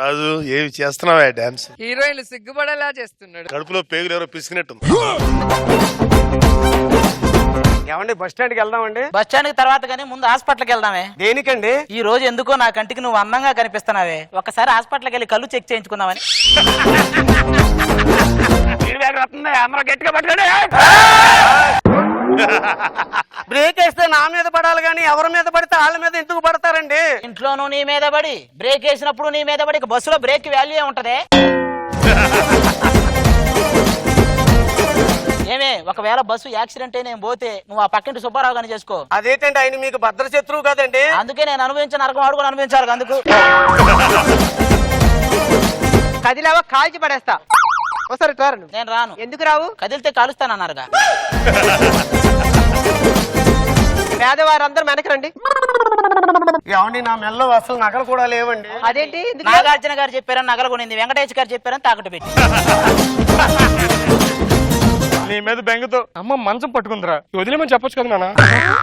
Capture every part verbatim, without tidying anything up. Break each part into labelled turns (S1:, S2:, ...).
S1: రాజు ఏమి చేస్తున్నావా డాన్స్?
S2: హీరోయిన్లు సిగ్గుపడేలా చేస్తున్నాడు.
S1: కడుపులో పేగులు ఎవరో పిసికినట్టు.
S3: ఏమండి బస్ స్టాండ్కి వెళ్దామండి?
S4: బస్ స్టాండ్ కి తర్వాత కానీ ముందు హాస్పిటల్కి వెళ్దామే.
S3: దేనికండి?
S4: ఈ రోజు ఎందుకో నా కంటికి నువ్వు అందంగా కనిపిస్తున్నావే, ఒకసారి హాస్పిటల్కి వెళ్ళి కళ్ళు చెక్ చేయించుకుందామని.
S3: అందరూ గట్టిగా పట్టుకోండి. బ్రేక్ వేస్తే నా మీద పడాలి కానీ ఎవరి మీద పడితే వాళ్ళ మీద ఎందుకు పడతారండి?
S4: ఇంట్లోనూ నీ మీద పడి, బ్రేక్ వేసినప్పుడు నీ మీద పడి, బస్సులో బ్రేక్ వాల్యూ ఉంటదే. ఏమే, ఒకవేళ బస్సు యాక్సిడెంట్ అయి నేను పోతే నువ్వు ఆ పక్కింటి సుబ్బారావు గాని చేసుకో.
S3: అదేంటండి, ఆయన మీకు భద్ర శత్రువు కదండి.
S4: అందుకే నేను అనుభవించిన నరకం ఆడుకొని అనుభవించాలి. అందుకు
S2: కదిలావా కాల్చి పడేస్తా. ఒకసారి టర్న్.
S4: నేను రాను.
S2: ఎందుకు రావు?
S4: కదిలితే కాలుస్తానన్నారుగా.
S2: పేదవారందరూ వెనక్కి రండి.
S3: ఏమండి, నా మెల్లో అసలు నగలు కూడా లేవండి.
S2: అదేంటి?
S4: నాగార్జున గారు చెప్పారని నగలు కొనింది, వెంకటేష్ గారు చెప్పారని తాకట్టు పెట్టి.
S5: నీ మీద బెంగతో అమ్మ మంచం పట్టుకుందిరా, వదిలేమని చెప్పొచ్చు కదా నాన్న.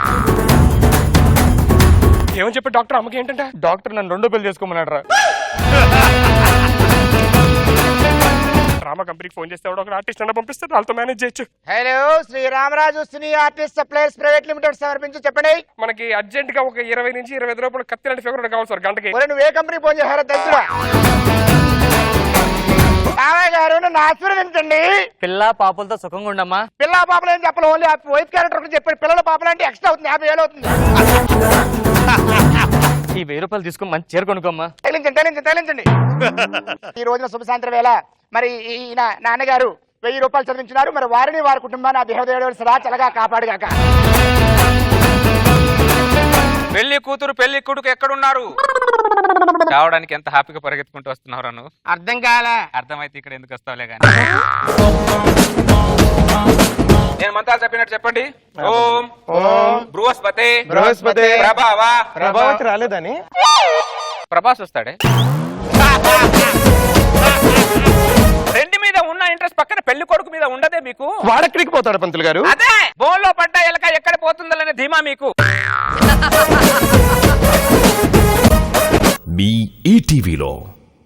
S5: ఏమని చెప్పి డాక్టర్ అమ్మకి ఏంటంటే, డాక్టర్ నన్ను రెండో పెళ్లి చేసుకోమన్నాడు రా. డ్రామా కంపెనీకి ఫోన్ చేస్తే ఒక ఆర్టిస్ట్ అన్న పంపిస్తే వాళ్ళతో మేనేజ్ చేయొచ్చు.
S6: Hello, Sriramaraju cine artist supplies private limited సమర్పించి చెప్పండి.
S5: మనకి అర్జెంట్ గా ఒక ఇరవై నుంచి ఇరవై ఐదు రూపాయలు కత్తి లాంటి ఫిగర్ కావాలి సార్ గంటకి.
S6: నువ్వు ఏ కంపెనీ ఫోన్ చేశారో తెలుసురా. రామయ్య గారు నన్ను ఆశీర్వదించండి.
S7: పిల్ల పాపలతో సుఖంగా ఉండమ్మా.
S6: పిల్ల పాపలు ఏం చెప్పాలి, ఓన్లీ వైఫ్ క్యారెక్టర్ చెప్పాడు. పిల్లల పాపలు అంటే ఎక్స్ట్రా అవుతుంది, యాభై వేలు అవుతుంది.
S7: ఈ వెయ్యి రూపాయలు తీసుకుని మంచి చీర కొనుకోమ్మా.
S6: తేలించండి తేలించండి తేలించండి. ఈ రోజున శుభ సాయంత్రం వేళ మరి ఈయన నాన్నగారు వెయ్యి రూపాయలు చదివించున్నారు. మరి వారిని వారి కుటుంబాన్ని ఆ దేవదేవుడు సదా చల్లగా కాపాడుగాక.
S8: పెళ్లి కూతురు పెళ్లి కొడుకు ఎక్కడున్నారు? రావడానికి ఎంత హ్యాపీగా పరిగెత్తుకుంటూ వస్తున్నావు నువ్వు?
S6: అర్థం కాలే.
S8: అర్థమైతే ఇక్కడ ఎందుకు వస్తావులే కానీ. నేను మంత్రాలు చెప్పినట్టు చెప్పండి. ఓం ఓం బృహస్పతి
S5: బృహస్పతి
S8: ప్రభావ.
S5: ప్రభావతి రాలేదని
S8: ప్రభాస్ వస్తాడే. రెండు మీద ఉన్న ఇంట్రెస్ట్ పక్కన పెళ్లి కొడుకు మీద ఉండదే మీకు?
S5: వాడెక్కడికి పోతాడు పంతులు గారు?
S8: అదే బోన్లో పడ్డ ఎలక ఎక్కడ పోతుందనే ధీమా మీకు.
S9: మీ ఈటీవీలో